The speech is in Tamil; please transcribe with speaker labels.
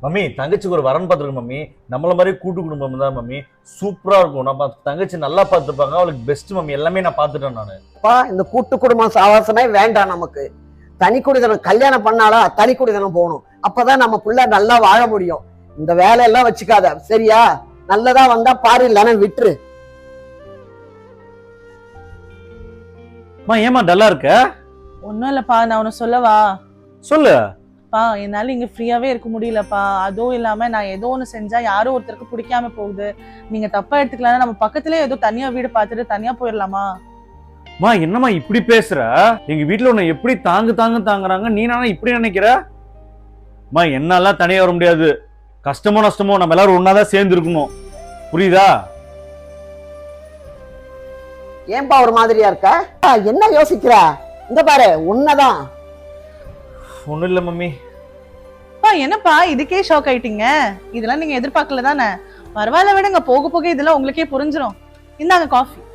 Speaker 1: மம்மி தங்கச்சிக்கு ஒரு வரன் பார்த்துருக்கு மம்மி. நம்மள மாதிரி கூட்டு குடும்பம் தான் மம்மி. சூப்பரா இருக்கும். நம்ம தங்கச்சி நல்லா பார்த்துப்பாங்க. அவளுக்கு பெஸ்ட் மம்மி. எல்லாமே நான் பார்த்துட்டேன் நானு.
Speaker 2: இந்த கூட்டு குடும்பம் சாவாசமே வேண்டாம் நமக்கு. தனி குடிதனம் கல்யாணம் பண்ணாலா தனி குடிதனம் போகணும். அப்பதான் நம்ம புள்ள நல்லா வாழ முடியும். இந்த வேலையெல்லாம் வச்சுக்காத சரியா? நல்லதா வந்தா பாரு, இல்லைன்னா விட்டுரு.
Speaker 1: ஏமா டல்லா இருக்க?
Speaker 3: ஒன்னும் இல்லப்பா, நான் உன்னை சொல்லவா?
Speaker 1: சொல்லு.
Speaker 3: என்னால இங்க ஃப்ரீயாவே இருக்க முடியலப்பா. அதுவும் இல்லாம நான் ஏதோ ஒண்ணு செஞ்சா யாரோ ஒருத்தருக்கு பிடிக்காம போகுது. நீங்க தப்பா எடுத்துக்கலாம். நம்ம பக்கத்துலயே ஏதோ தனியா வீடு பார்த்துட்டு தனியா போயிடலாமா?
Speaker 1: என்னம்மா இப்படி பேசுற? எங்க வீட்டுல உன்னை எப்படி தாங்குறாங்க, நீ நானா இப்படி நினைக்கிற? என்னால தனியா வர முடியாது. கஷ்டமோ நஷ்டமோ நம்ம எல்லாரும் ஒன்னாதான் சேர்ந்து இருக்கணும். புரியுதா?
Speaker 2: ஏன்பா ஒரு மாதிரியா இருக்க? என்ன யோசிக்கிற? இந்த பாரு, உன்னதான்.
Speaker 1: ஒண்ணும் இல்ல மம்மி.
Speaker 3: என்னப்பா இதுக்கே ஷாக் ஆயிட்டீங்க? இதெல்லாம் நீங்க எதிர்பார்க்கல தானே? பரவாயில்ல விடுங்க, போக போக இதெல்லாம் உங்களுக்கே புரிஞ்சிடும். இந்தாங்க காஃபி.